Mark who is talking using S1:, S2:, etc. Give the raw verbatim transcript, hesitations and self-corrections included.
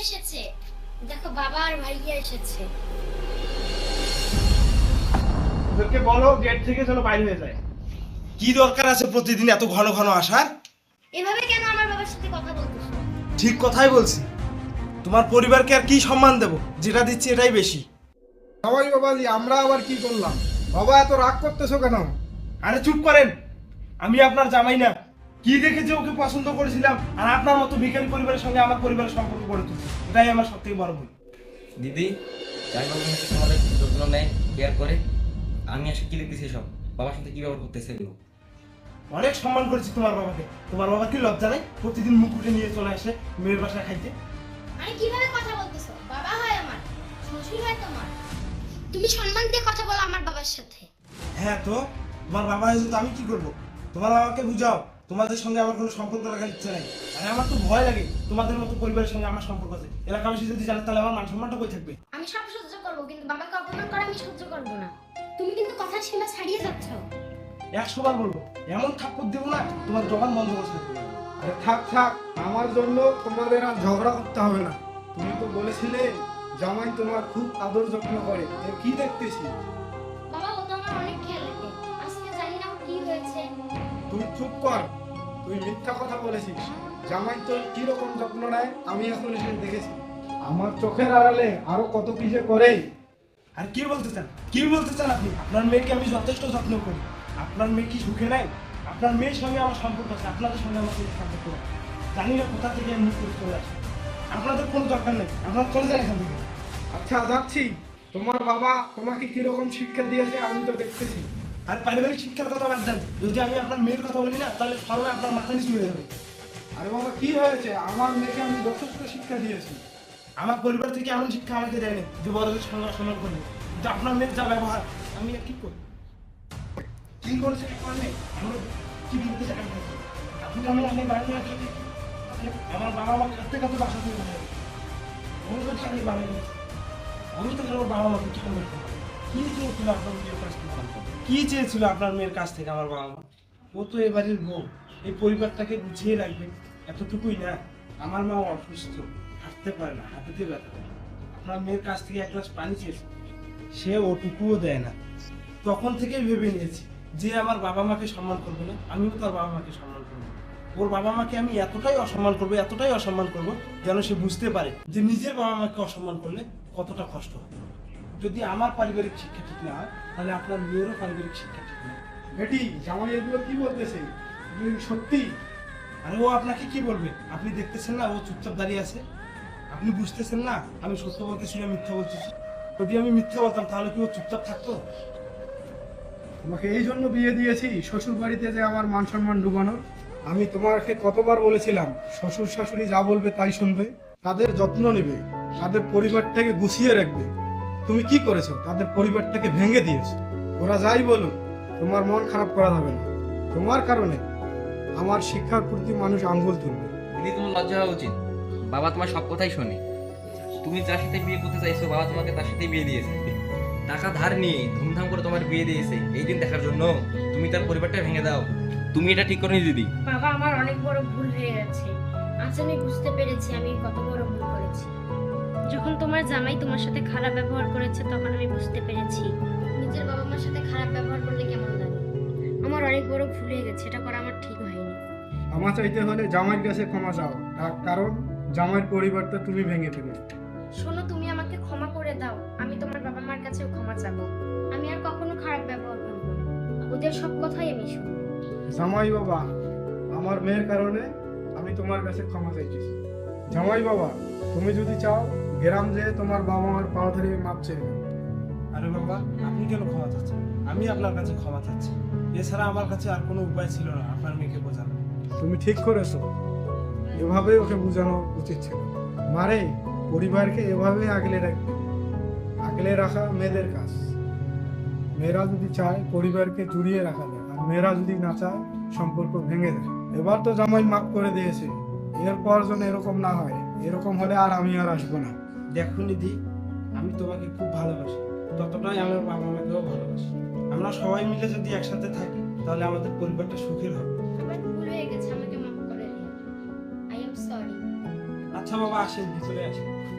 S1: এসেছে। দেখো বাবা আর ভাইয়া এসেছে।
S2: ওদেরকে বলো গেট থেকে যেন বাইরে হয়ে যায়। কি দরকার আছে প্রতিদিন এত ঘন ঘন আসার?
S1: এভাবে কেন আমার বাবার সাথে কথা বলতেছো?
S2: ঠিক কথাই বলছি। তোমার পরিবারকে আর কি সম্মান দেব? যেটা দিচ্ছি এটাই বেশি।
S3: সবাই বাবাজি, আমরা আবার কি করলাম? বাবা এত রাগ করতেছো কেন?
S2: আরে চুপ করেন। আমি আপনার জামাই না। কি দেখে যে ওকে পছন্দ করেছিলাম আর আপনার মতো ভিখারি পরিবারের সঙ্গে আমার পরিবারের সম্পর্ক গড়ে তুলছি, এটাই আমার সবথেকে বড় ভুল।
S4: দিদি জামাইবাবু হচ্ছে তোমাদের যত্ন নেয়, কেয়ার করে। আমি আসলে কি দেখতেছি সব বাবার সাথে কি ব্যবহার করতেছে এগুলো।
S2: অনেক সম্মান করেছি তোমার বাবাকে। তোমার বাবা কি লজ্জা নাই প্রতিদিন মুখ উঠে নিয়ে চলে আসে মেয়ের বাসায় খাইতে?
S1: আরে কিভাবে কথা বলতেছো? বাবা হয় আমার, শ্বশুর হয় তোমার। তুমি সম্মান দিয়ে কথা বলো আমার বাবার সাথে।
S2: হ্যাঁ তো তোমার বাবা হয়েছে তো আমি কি করবো? তোমার বাবাকে বুঝাও তোমাদের সঙ্গে আমার কোনো সম্পর্ক রাখার ইচ্ছে নাই। আরে আমার তো ভয় লাগে তোমাদের মতো পরিবারের সঙ্গে আমার সম্পর্ক আছে। এলাকাবাসী যদি জানে তাহলে আমার মান সম্মানটা কই থাকবে?
S1: আমি সব সহ্য করবো, কিন্তু বাবাকে অপমান করা আমি সহ্য করবো না। তুমি কিন্তু কথার সীমা ছাড়িয়ে যাচ্ছ।
S2: একশো বার বলবো, এমন থাপ্পড় দেবো না তোমার জবান বন্ধ করে থাকবে।
S3: আরে থাক থাক, আমার জন্য তোমাদের আর ঝগড়া করতে হবে না। তুমি তো বলেছিলে জামাই তোমার খুব আদর যত্ন করে, এর কি দেখতেছি?
S1: বাবা ও তো আমার অনেক খেয়াল রাখে। আজকে জানি না ওর কি হয়েছে।
S3: তুই চুপ কর, তুই মিথ্যা কথা বলেছিস। জামাই তোর কি রকম যত্ন নেয় আমি এখন এসে দেখেছি। আমার চোখের আড়ালে আরো কত কি যে করে।
S2: আর কি বলতে চান? কি বলতে চান আপনি? আপনার মেয়েকে আমি যথেষ্ট যত্ন করি। আপনার মেয়ে কি সুখে নাই? আপনার মেয়ের সঙ্গে আমার সম্পর্ক আছে, আপনাদের সঙ্গে আমার কোনো সম্পর্ক নেই। জানি না কোথা থেকে আমি মুখ করে চলে আসি। আপনাদের কোনো দরকার নেই, আপনারা চলে যান এখান থেকে।
S3: আচ্ছা যাচ্ছি। তোমার বাবা তোমাকে কিরকম শিক্ষা দিয়েছে আমি তো দেখতেছি।
S2: আর পারিবারিক শিক্ষার কথা বাদ দেন। যদি আমি আপনার মেয়ের কথা বলি না তাহলে সবাই আপনার মাথা নিচু হয়ে যাবে।
S3: আরে বাবা কি হয়েছে? আমার মেয়েকে আমি যথেষ্ট শিক্ষা দিয়েছি।
S2: আমার পরিবার থেকে এমন শিক্ষা আমাকে দেয়নি যে বড়দের সঙ্গে অসম্মান করবে। কিন্তু আপনার মেয়ের যা ব্যবহার, আমি আর কি করি? কি করেছে আপনার মেয়ে? আমরা কি বলতে চাই? আপনি আমি আমি বাড়ি আসি, আমার বাবা মা কাঁদতে কাঁদতে বাসা থেকে বের হয়ে গেছে। আমি বলছি আমি বাড়ি গেছি। আমি তো আমার বাবা মাকে কি করবো? কি চেয়েছিল আপনার মেয়ের কাছ থেকে? কি চেয়েছিল আপনার মেয়ের কাছ থেকে আমার বাবা মা? ও তো এবারের বউ, এই পরিবারটাকে গুছিয়ে রাখবে, এতটুকুই না। আমার মা অসুস্থ, হাঁটতে পারে না, হাঁটুতে ব্যথা। আপনার মেয়ের কাছ থেকে এক গ্লাস পানি চেয়েছে, সে ওটুকুও দেয় না। তখন থেকেই ভেবে নিয়েছি যে আমার বাবা মাকে সম্মান করবে না, আমিও তার বাবা মাকে সম্মান করবো। ওর বাবা মাকে আমি এতটাই অসম্মান করবো, এতটাই অসম্মান করবো যেন সে বুঝতে পারে যে নিজের বাবা মাকে অসম্মান করলে কতটা কষ্ট হয়। যদি আমার পারিবারিক শিক্ষা ঠিক না হয় তাহলে আপনার মেয়েরও পারিবারিক শিক্ষা ঠিক না।
S3: বেটি জামাই এগুলো কি বলতেছে? এগুলো কি সত্যি?
S2: আর ও আপনাকে কি বলবে? আপনি দেখতেছেন না ও চুপচাপ দাঁড়িয়ে আছে? আপনি বুঝতেছেন না আমি সত্য বলতেছি না মিথ্যা বলতেছি? যদি আমি মিথ্যা বলতাম তাহলে কি ও চুপচাপ থাকতো?
S3: তোমাকে এই জন্য বিয়ে দিয়েছি শ্বশুর বাড়িতে যে আমার মান সম্মান ডুবানোর। আমি তোমাকে কতবার বলেছিলাম শ্বশুর শাশুড়ি যা বলবে তাই শুনবে, তাদের যত্ন নেবে, তাদের পরিবারটাকে গুছিয়ে রাখবে। তুমি কি করেছো? তাদের পরিবারটাকে ভেঙে দিয়েছো। ওরা যাই বলুক তোমার মন খারাপ করা যাবে না। তোমার কারণে আমার শিক্ষার প্রতি মানুষ আঙ্গুল তুলবে।
S4: দিদি তোমার লজ্জা হওয়া উচিত। বাবা তোমার সব কথাই শোনে। তুমি যার সাথে বিয়ে করতে চাইছো বাবা তোমাকে তার সাথে বিয়ে দিয়েছে। টাকা ধার নিয়ে ধুমধাম করে তোমার বিয়ে দিয়েছে এই দিন দেখার জন্য তুমি তার পরিবারটা ভেঙে দাও। তুমি এটা ঠিক করনি দিদি।
S1: বাবা আমার অনেক বড় ভুল হয়ে গেছে। আজ আমি বুঝতে পেরেছি আমি কত বড় ভুল করেছি। যখন তোমার জামাই তোমার সাথে খারাপ ব্যবহার করেছে তখন আমি বুঝতে পেরেছি নিজের বাবা মার সাথে খারাপ ব্যবহার করলে কেমন লাগে। আমার অনেক বড় ভুল হয়ে গেছে, এটা করা আমার ঠিক হয়নি।
S3: ক্ষমা চাইতে হলে জামাইয়ের কাছে ক্ষমা চাও, তার কারণ জামাইয়ের পরিবারটা তুমি ভেঙে ফেলে।
S1: শোনো, তুমি আমাকে ক্ষমা করে দাও। আমি তোমার বাবা মার কাছেও ক্ষমা চাবো। আমি আর কখনো খারাপ ব্যবহার করবো না। ওদের সব কথাই আমি শুনবো।
S3: জামাই বাবা, আমার মেয়ের কারণে আমি তোমার কাছে ক্ষমা চাইতেছি। জামাই বাবা, তুমি যদি চাও গ্রাম যেয়ে তোমার বাবা মার পা ধরে মাপ চেয়ে নাও।
S2: আরে বাবা আপনি কেন ক্ষমা চাচ্ছেন? আমি আপনার কাছে ক্ষমা চাচ্ছি। এছাড়া আমার কাছে আর কোনো উপায় ছিল না আপনার মেয়েকে বোঝানো।
S3: তুমি ঠিক করেছো, এভাবে ওকে বোঝানো উচিত ছিল। মারে পরিবারকে এভাবে আগলে রাখবে। আগলে রাখা মেয়েদের কাজ। মেয়েরা যদি চায় পরিবারকে জুড়িয়ে রাখা যায়, আর মেয়েরা যদি না চায় সম্পর্ক ভেঙে দেয়। এবার তো জামাই মাফ করে দিয়েছে, এরপর যেন এরকম না হয়। এরকম হলে আর আমি আর আসবো না।
S2: দেখো নিধি, আমি তোমাকে খুব ভালোবাসি, ততটাই আমার বাবা মাকেও ভালোবাসি। আমরা সবাই মিলে যদি একসাথে থাকি তাহলে আমাদের পরিবারটা সুখের হবে।
S1: আমার ভুল হয়ে গেছে, আমাকে মাফ করে দিও। I am sorry.
S2: আচ্ছা আচ্ছা বাবা আসেন ভিতরে আসেন।